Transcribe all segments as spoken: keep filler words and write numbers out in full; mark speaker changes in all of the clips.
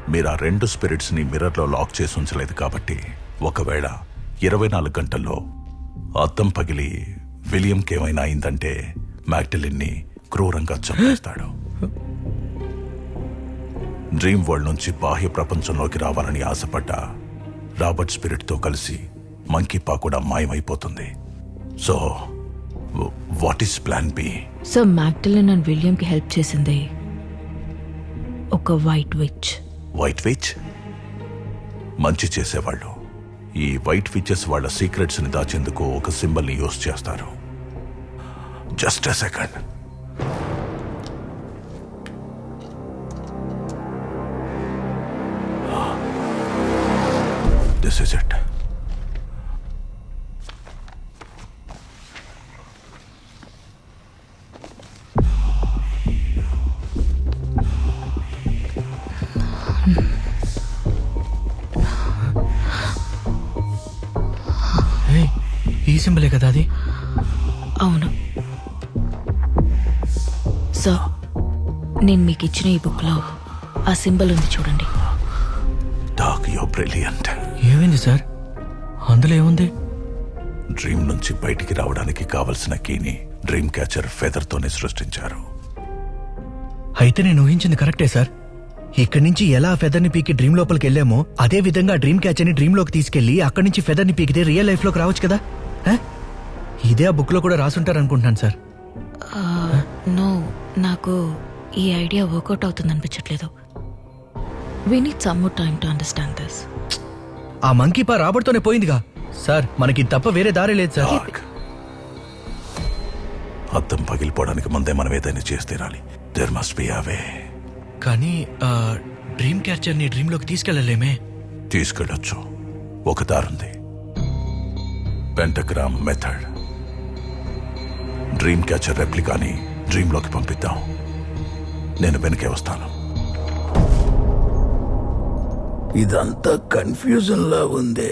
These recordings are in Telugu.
Speaker 1: మీరు ఆ రెండు స్పిరిట్స్ ని మిర్రర్ లో లాక్ చేసి ఉంచలేదు కాబట్టి ఒకవేళ ఇరవై నాలుగు గంటల్లో అద్దం పగిలి విలియంకి ఏమైనా అయిందంటే మ్యాగ్డలిన్ ని క్రూరంగా చంపేస్తాడు. డ్రీమ్ వరల్డ్ నుంచి బాహ్య ప్రపంచంలోకి రావాలని ఆశపడ్డ రాబర్ట్ స్పిరిట్ తో కలిసి మంకీ పా కూడా మాయమైపోతుంది. So what is plan B?
Speaker 2: So Magdalene and William కి హెల్ప్ చేసింది ఒక వైట్ విచ్.
Speaker 1: వైట్ విచ్ మంచి చేసేవాళ్ళు. ఈ వైట్ విచెస్ వాళ్ళ సీక్రెట్స్ ని దాచేందుకు ఒక సింబల్ ని యూజ్ చేస్తారు. Just a second. This is it.
Speaker 3: ఈ సింబలే కదా అది?
Speaker 2: అవును. సో నేను మీకు ఇచ్చిన ఈ బుక్ లో ఆ సింబల్ ఉంది చూడండి.
Speaker 1: Doc, you brilliant.
Speaker 3: ఏమైంది సార్? అందులో ఏముంది?
Speaker 1: డ్రీమ్ నుంచి బయటికి రావడానికి కావలసిన కీని డ్రీమ్ క్యాచర్ ఫెదర్ తోనే సృష్టించారు.
Speaker 3: అయితే నేను ఊహించింది కరెక్టే సార్. ఇక్కడి నుంచి ఎలా ఫెదర్ ని పీకి డ్రీమ్ లోపలికి వెళ్ళామో అదే విధంగా డ్రీమ్ క్యాచర్ ని డ్రీమ్ లోకి తీసుకెళ్లి అక్కడి నుంచి ఫెదర్ ని పీకితే రియల్ లైఫ్ లోకి రావచ్చు కదా. ఇదే ఆ బుక్ లో కూడా రాసుంటారు అనుకుంటున్నాను సార్.
Speaker 2: నో, నాకు ఈ ఐడియా వర్కౌట్ అవుతుంది అనిపించట్లేదు. We need some more time to understand this.
Speaker 3: ఆ మంకీ పా రాబర్ట్తోనే పోయిందిగా సార్. మనకి తప్ప వేరే దారి లేదు సార్.
Speaker 1: అద్దం పగిలిపోవడానికి ముందే మనం ఏదైనా చేసి తీరాలి. There must be a way.
Speaker 3: కానీ డ్రీమ్ క్యాచర్ ని డ్రీమ్ లోకి తీసుకెళ్లలేమే.
Speaker 1: తీసుకెళ్ళొచ్చు. ఒక దారుంది. Pentagram method. డ్రీమ్ క్యాచర్ రెప్లికాని డ్రీమ్ లోకి పంపిద్దాం. నేను వెనకే వస్తాను.
Speaker 4: ఇదంతా కన్ఫ్యూజన్ లా ఉంది.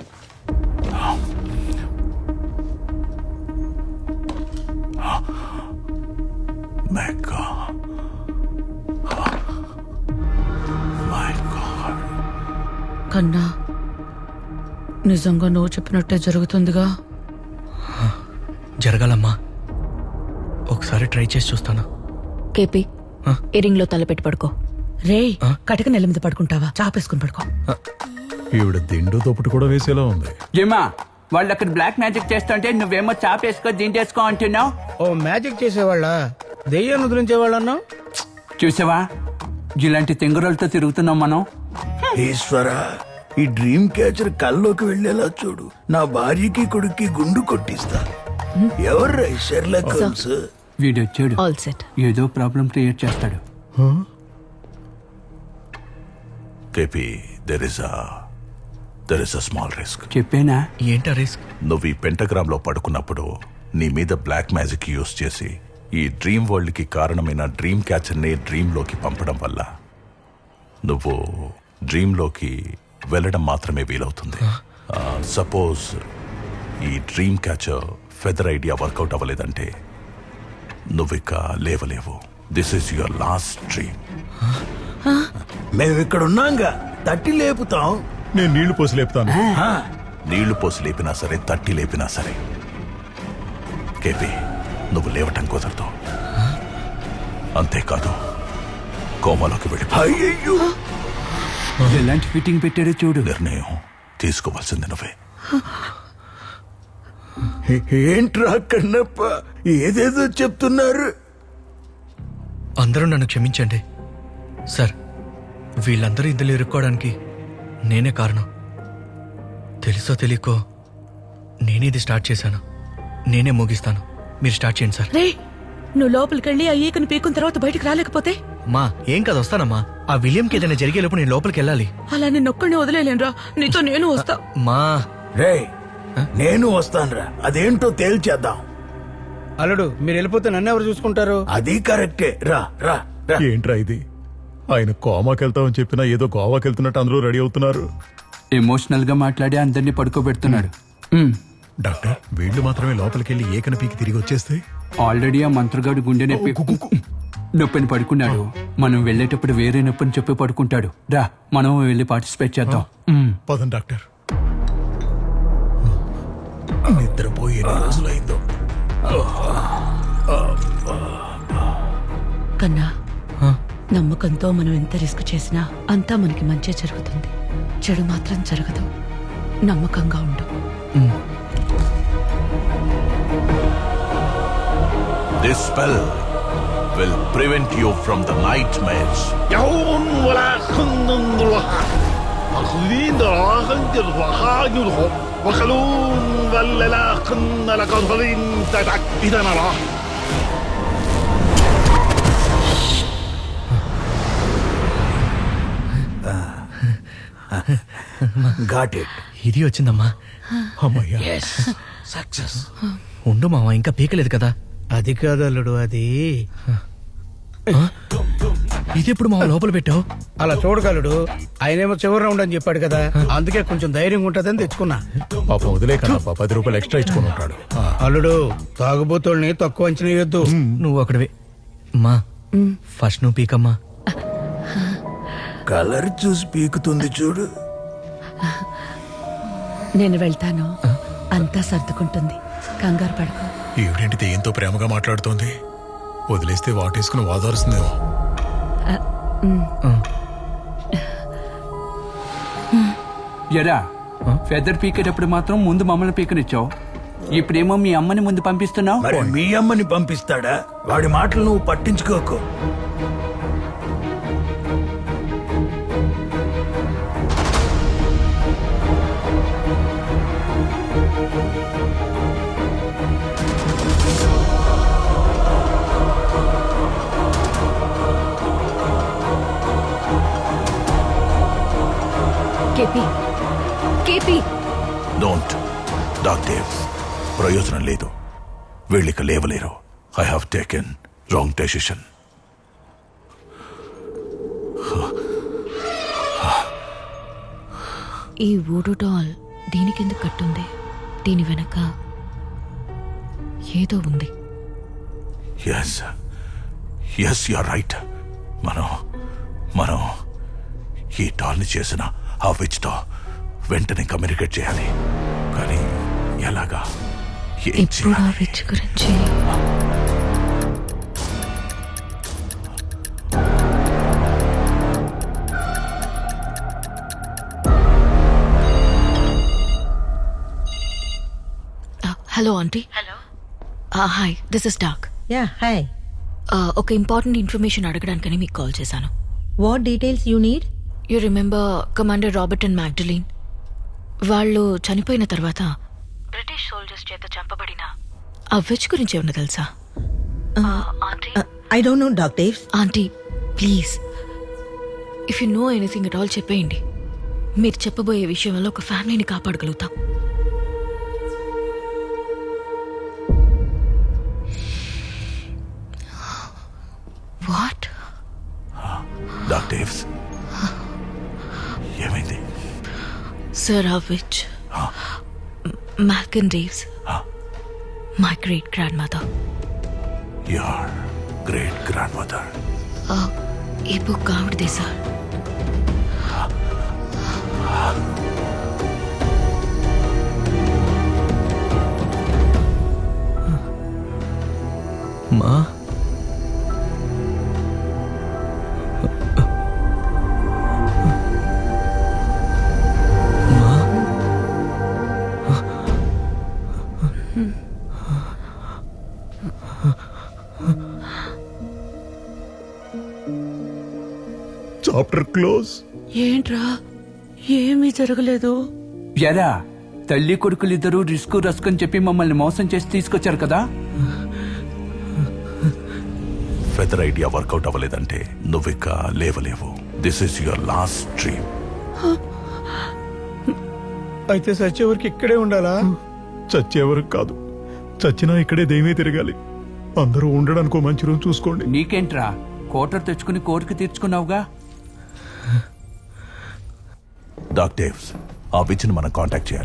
Speaker 2: కన్నా నిజంగా నువ్వు చెప్పినట్టే జరుగుతుందిగా.
Speaker 3: జరగాలమ్మా. ఒకసారి ట్రై చేసి చూస్తాను.
Speaker 2: కేపీ, ఇరింగ్ లో తలపెట్టి పడుకో. రే, కటక నెల మీద పడుకుంటావా? చాపేసుకుని పడుకో.
Speaker 5: ఈవిడ దిండు తోపుడు కూడా వేసేలా ఉంది.
Speaker 6: జిమ్మా, వాళ్ళు అక్కడ బ్లాక్ మ్యాజిక్ చేస్తుంటే నువ్వేమో చాపేసుకో దింటేసుకో అంటున్నావు.
Speaker 7: ఓ మ్యాజిక్ చేసేవాళ్ళ, దెయ్యాన్ని వదిలించేవాళ్ళన్నా?
Speaker 6: చూసావా, ఇలాంటి తెంగురలతో తిరుగుతున్నాం మనం.
Speaker 4: ఈశ్వర, ఈ డ్రీమ్ క్యాచర్ కల్లోకి వెళ్ళేలా చూడు. నా భార్యకి కొడుక్కి గుండు కొట్టిస్తా. ఎవర్రా షెర్లాక్ హోమ్స్?
Speaker 6: వీడొచ్చాడు.
Speaker 2: All set.
Speaker 6: ఏదో ప్రాబ్లం క్రియేట్ చేస్తాడు.
Speaker 1: KP, there is a there is a small risk.
Speaker 6: చెప్పేనా?
Speaker 3: ఏంటా రిస్క్?
Speaker 1: నువ్వు ఈ పెంటగ్రామ్ లో పడుకున్నప్పుడు నీ మీద బ్లాక్ మ్యాజిక్ యూజ్ చేసి ఈ డ్రీమ్ వరల్డ్ కి కారణమైన డ్రీమ్ క్యాచర్ ని డ్రీమ్ లోకి పంపడం వల్ల నువ్వు డ్రీమ్ లోకి వెళ్ళడం మాత్రమే వీలవుతుంది. సపోజ్ ఈ dream catcher feather idea work out అవ్వలేదంటే నువ్విక లేవలేవు. This is your last dream.
Speaker 4: మేము ఇక్కడ ఉన్నాంగా, తట్టి లేపుతాం.
Speaker 5: నేను నీళ్లు పోసి లేపుతాను.
Speaker 1: నీళ్లు పోసి లేపినా సరే, తట్టి లేపినా సరే కేపీ, నువ్వు లేవటం కుదరదు. అంతేకాదు, కోమాలోకి వెళ్ళి
Speaker 4: అయ్యయ్యో,
Speaker 6: ఎలాంటి ఫిట్టింగ్ పెట్టాడో చూడు.
Speaker 1: నిర్ణయం తీసుకోవాల్సింది నువ్వే.
Speaker 4: ఏంట్రా కన్నప్ప, ఏదేదో చెప్తున్నారు.
Speaker 3: అందరూ నన్ను క్షమించండి సార్. వీళ్ళందరూ ఇందులో ఇరుక్కోవడానికి నేనే కారణం. తెలుసో తెలియకో నేనే ఇది స్టార్ట్ చేశాను. నేనే ముగిస్తాను. మీరు స్టార్ట్ చేయండి సార్.
Speaker 2: రే, నువ్వు లోపలికి వెళ్ళి ఆ ఈకను పీకున్న తర్వాత బయటకు రాలేకపోతే?
Speaker 3: మా ఏం కాదు, వస్తానమ్మా. ఆ విలియంకి ఏదైనా జరిగేలోపు నేను లోపలికి వెళ్ళాలి.
Speaker 2: అలా నేను ఒక్కడిని వదిలేలేనురా, నీతో నేను వస్తా.
Speaker 3: మా
Speaker 4: రే, నేను వస్తానురా. అదేంటో తేల్చేద్దాం.
Speaker 7: అల్లుడు, మీరు వెళ్ళిపోతే నన్ను ఎవరు చూసుకుంటారు?
Speaker 4: అది కరెక్టే. రా రా రా.
Speaker 5: ఏంట్రా ఇది? ఆయన కోమాకి వెళ్తామని చెప్పినా ఏదో గోవాకి వెళ్తున్నట్టు అందరూ రెడీ అవుతున్నారు.
Speaker 6: ఎమోషనల్ గా మాట్లాడి అందరినీ పడుకోబెడుతున్నాడు.
Speaker 5: డాక్టర్, వీళ్ళు మాత్రమే లోపలికి వెళ్ళి ఏకన పీకి తిరిగి వచ్చేస్తే
Speaker 6: ఆల్రెడీ ఆ మంత్రగాడు గుండె నొప్పి. నొప్పిని పడుకున్నాడు. మనం వెళ్ళేటప్పుడు వేరే నొప్పిని చెప్పి పడుకుంటాడు. రా మనం వెళ్ళి పార్టిసిపేట్ చేద్దాం. మ్.
Speaker 5: పదండి డాక్టర్. నిద్రపోయి ఎన్ని రోజులైందో.
Speaker 8: కన్నా నమ్మకంతో మనం ఎంత రిస్క్ చేసినా అంతా మనకి మంచి జరుగుతుంది. చెడు మాత్రం జరగదు. నమ్మకంగా ఉండు.
Speaker 1: This spell will prevent you from the nightmares.
Speaker 9: يوم ولا خندن ضلها أخذين دراهم جرها يرهم وخلون ولا لا خن لك ضلين تتعك إذا نراه
Speaker 4: got it.
Speaker 3: ఇది వచ్చిందమ్మా.
Speaker 5: అమ్మయ్యా.
Speaker 3: ఉండు మావా, ఇంకా పీకలేదు కదా.
Speaker 7: అది కాదు అల్లుడు, అది
Speaker 3: ఇది ఎప్పుడు మావ లోపల పెట్టావు?
Speaker 7: అలా చూడగలడు. ఆయనేమో చివరి రౌండ్ అని చెప్పాడు కదా, అందుకే కొంచెం ధైర్యంగా ఉంటదని తెచ్చుకున్నా.
Speaker 5: పాపం వదిలే కన్నా పది రూపాయలు ఎక్స్ట్రా ఇచ్చుకొని ఉంటాడు. ఆ.
Speaker 7: అల్లుడు, తాగుబోతుల్ని తక్కువ అంచనా వేయొద్దు.
Speaker 3: నువ్వు అక్కడవే మా ఫస్ట్ నువ్వు పీకమ్మా.
Speaker 4: కలర్ చూసి పీకుతుంది చూడు.
Speaker 8: నేను వెళ్తాను, అంతా సర్దుకుంటుంది. కంగారు పడుకో.
Speaker 5: ఈవిడేంటి దెయ్యంతో ప్రేమగా మాట్లాడుతోంది? వదిలేస్తే వాటేసుకుని వాదారుస్తుందేమో.
Speaker 6: ఎరా ఫెదర్ పీకేటప్పుడు మాత్రం ముందు మమ్మల్ని పీకనిచ్చావు. ఇప్పుడేమో మీ అమ్మని ముందు పంపిస్తున్నావు.
Speaker 4: మరి మీ అమ్మని పంపిస్తాడా? వాడి మాటలు నువ్వు పట్టించుకోకు.
Speaker 8: కేపీ కేపీ
Speaker 1: డోంట్ డాక్టర్, ప్రయోజనం లేదు. వీళ్ళిక లేవలేరు. I have taken wrong decision.
Speaker 2: ఈ వూడు డాల్ దీనికెందుకు కట్టుంది? దీని వెనక ఏదో ఉంది.
Speaker 1: Yes yes you are right. మనం మనం ఈ డాల్ని చేసిన ఆ విచ్తో వెంటనే కమ్యూనికేట్ చేయాలి. కానీ ఎలాగా? ఏం
Speaker 2: ఇప్పుడు ఆ
Speaker 1: చేయాలి?
Speaker 2: విచ్ గురించి hello aunty.
Speaker 8: Hello.
Speaker 2: Hi, this is Doc.
Speaker 10: Ya hi.
Speaker 2: ఒక ఇంపార్టెంట్ ఇన్ఫర్మేషన్ అడగడానికని మీకు కాల్ చేశాను.
Speaker 10: What details you need?
Speaker 2: You remember commander Robert and Magdalene? వాళ్ళు చనిపోయిన తర్వాత బ్రిటిష్ సోల్జర్స్ చేత చంపబడిన ఆ విచ్ గురించి ఏమన్నా తెలుసా? Aunty
Speaker 10: I don't know doctor.
Speaker 2: Aunty please, if you know anything at all చెప్పేయండి. మీరు చెప్పబోయే విషయం వల్ల ఒక ఫ్యామిలీని కాపాడగలుగుతాం. వాట్?
Speaker 1: డాక్టర్స్, ఏమైంది?
Speaker 2: Sir, of which
Speaker 1: Huh?
Speaker 2: Malcolm Reeves,
Speaker 1: Huh?
Speaker 2: my great grandmother.
Speaker 1: Your great grandmother.
Speaker 2: ఈ బుక్ ఆవిడదే సార్.
Speaker 3: మా
Speaker 5: చాప్టర్ క్లోజ్.
Speaker 8: ఏంట్రా, ఏమీ జరగలేదు.
Speaker 6: ఎరా తల్లి కొడుకులిద్దరూ రిస్క్ రస్క్ అని చెప్పి మమ్మల్ని మోసం చేసి తీసుకొచ్చారు కదా.
Speaker 1: ఫెదర్ ఐడియా వర్కౌట్ అవ్వలేదంటే నువ్విక లేవలేవు. This is your last dream.
Speaker 7: అయితే సచ్చేవరికి ఇక్కడే ఉండాలా?
Speaker 5: చచ్చేవరకు కాదు, చచ్చినా ఇక్కడే దేమే తిరగాలి. అందరూ ఉండడానికి ఓ మంచి రోజు చూసుకోండి.
Speaker 6: నీకేంట్రా, కోటర్ తెచ్చుకుని కోరిక తీర్చుకున్నావుగా.
Speaker 1: డాక్టర్స్, ఆ విచ్ని మనం కాంటాక్ట్ చేయాలి.